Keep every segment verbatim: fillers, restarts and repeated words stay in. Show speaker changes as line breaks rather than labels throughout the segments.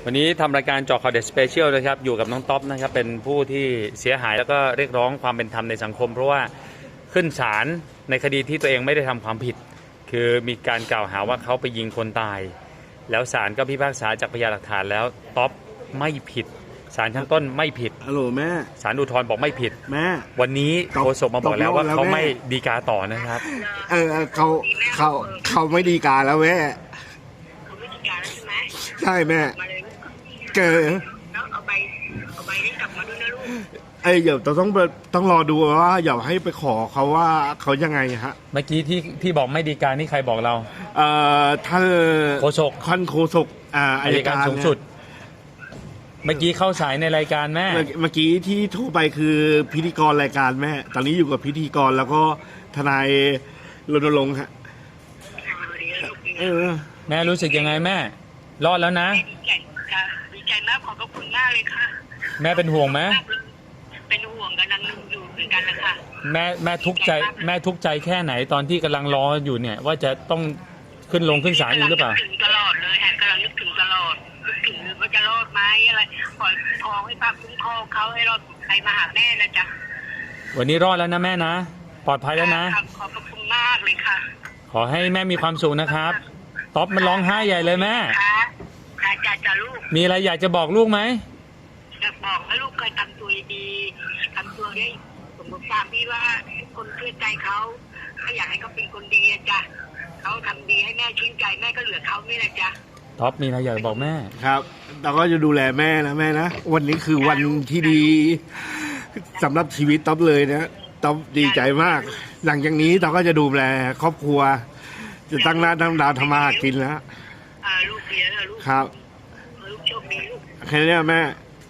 วันนี้ทำรายการเจาะข่าวเด็ดสเปเชียลนะครับอยู่กับน้องท็อปนะครับเป็นผู้ที่เสียหายแล้วก็เรียกร้องความเป็นธรรมในสังคมเพราะว่าขึ้นศาลในคดีที่ตัวเองไม่ได้ทำความผิดคือมีการกล่าวหาว่าเขาไปยิงคนตายแล้วศาลก็พิพากษาจากพยานหลักฐานแล้วท็อปไม่ผิดศาลชั้นต้นไม่ผิด
ฮัลโหลแม่
ศาลอุทธรณ์บอกไม่ผิด
แม่
วันนี้โฆษกมาบอกแล้วว่าเขาไม่ฎีกาต่อนะครับ
เออเขาเขาเขาไม่ฎีกาแล้วแม่
เขาไม่ฎีกาแล้วใช่ไหม
ใช่แม่เจอ
แล้วเอาใบเอาใบนี้กลับมาด้วยนะลูก
ไอ้เดี๋ยวต้องต้องรอดูว่าอย่าให้ไปขอเขาว่าเขายังไงฮะ
เมื่อกี้ที่ที่บอกไม่ฎีกานี่ใครบอกเรา
เอ่อท่าน
โฆษก
ท่านโฆษกอ่า
อัยการสูงสุดเมื่อกี้เข้าสายในรายการแม่
เมื่อกี้ที่โทรไปคือพิธีกรรายการแม่ตอนนี้อยู่กับพิธีกรแล้วก็ทนายรณรงค์ฮะ
เออ
แม่รู้สึกยังไงแม่รอดแล้วนะ
ดีใจค่ะดีใจมากขอบคุณมากเลยค่ะ
แม่เป็นห่วงไหม
เป็นห่วงกันนั่งอยู่เหมือนกันแหละค่ะ
แม่แม่ทุกข์ใจแม่ทุกข์ใจแค่ไหนตอนที่กำลังรออยู่เนี่ยว่าจะต้องขึ้นลงขึ้นศาลอยู่หรือเปล่า
ถึงตลอดเลยฮะกำลังนึกถึงตลอดนึกถึงว่าจะรอดไหมอะไรขอคุ้มครองให้ป้าคุ้มครองเขาให้รอดใครมาหาแม่นะจ๊ะ
วันนี้รอดแล้วนะแม่นะปลอดภัยแล้วนะ
ขอบคุณมากเลยค่ะ
ขอให้แม่มีความสุขนะครับท็อปมันร้องไห้ใหญ่เลยแม่
ค่ะจ้าจ้าลูก
มีอะไรอยากจะบอกลูกไหม
อยากบอกให้ลูกเคยทำตัวดีทำตัวได้สมมติตามพี่ว่าคนเชื่อใจเขาถ้าอยากให้เขาเป็นคนดีนะจ๊ะเขาทำดีให้แม่ชื่นใจแม่ก็เหลือเขานี่แหละจ๊ะ
ท็อปมีอะไรอยากบอกแม่
ครับเราก็จะดูแลแม่นะแม่นะวันนี้คือวันที่ดีสำหรับชีวิตท็อปเลยนะท็อปดีใจมากหลังจากนี้เราก็จะดูแลครอบครัวจะตั้งหน้าตั้งตาทำมาหากินแล้ว
ลูกเสียแล้วลูก
ครับ
ลูกโชคดีลูก
แค่นี้แม่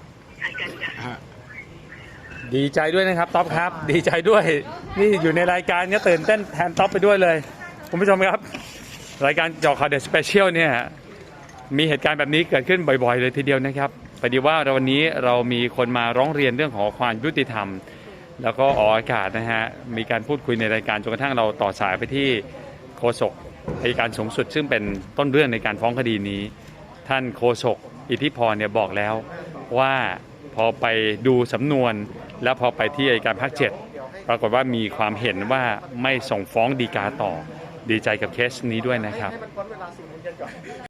ดีใจด้วยนะครับท็อปครับดีใจด้วยนี่อยู่ในรายการก็ตื่นเต้นแทนท็อปไปด้วยเลยคุณผู้ชมครับรายการเจาะข่าวเด็ดสเปเชียลเนี่ยมีเหตุการณ์แบบนี้เกิดขึ้นบ่อยๆเลยทีเดียวนะครับพอดีว่าวันนี้เรามีคนมาร้องเรียนเรื่องของความยุติธรรมแล้วก็ออกอากาศนะฮะมีการพูดคุยในรายการจนกระทั่งเราต่อสายไปที่โฆษกอัยการสูงสุดซึ่งเป็นต้นเรื่องในการฟ้องคดีนี้ท่านโฆษกอิทธิพรเนี่ยบอกแล้วว่าพอไปดูสำนวนแล้วพอไปที่อัยการภาคเจ็ดปรากฏว่ามีความเห็นว่าไม่ส่งฟ้องฎีกาต่อดีใจกับเคสนี้ด้วยนะครับ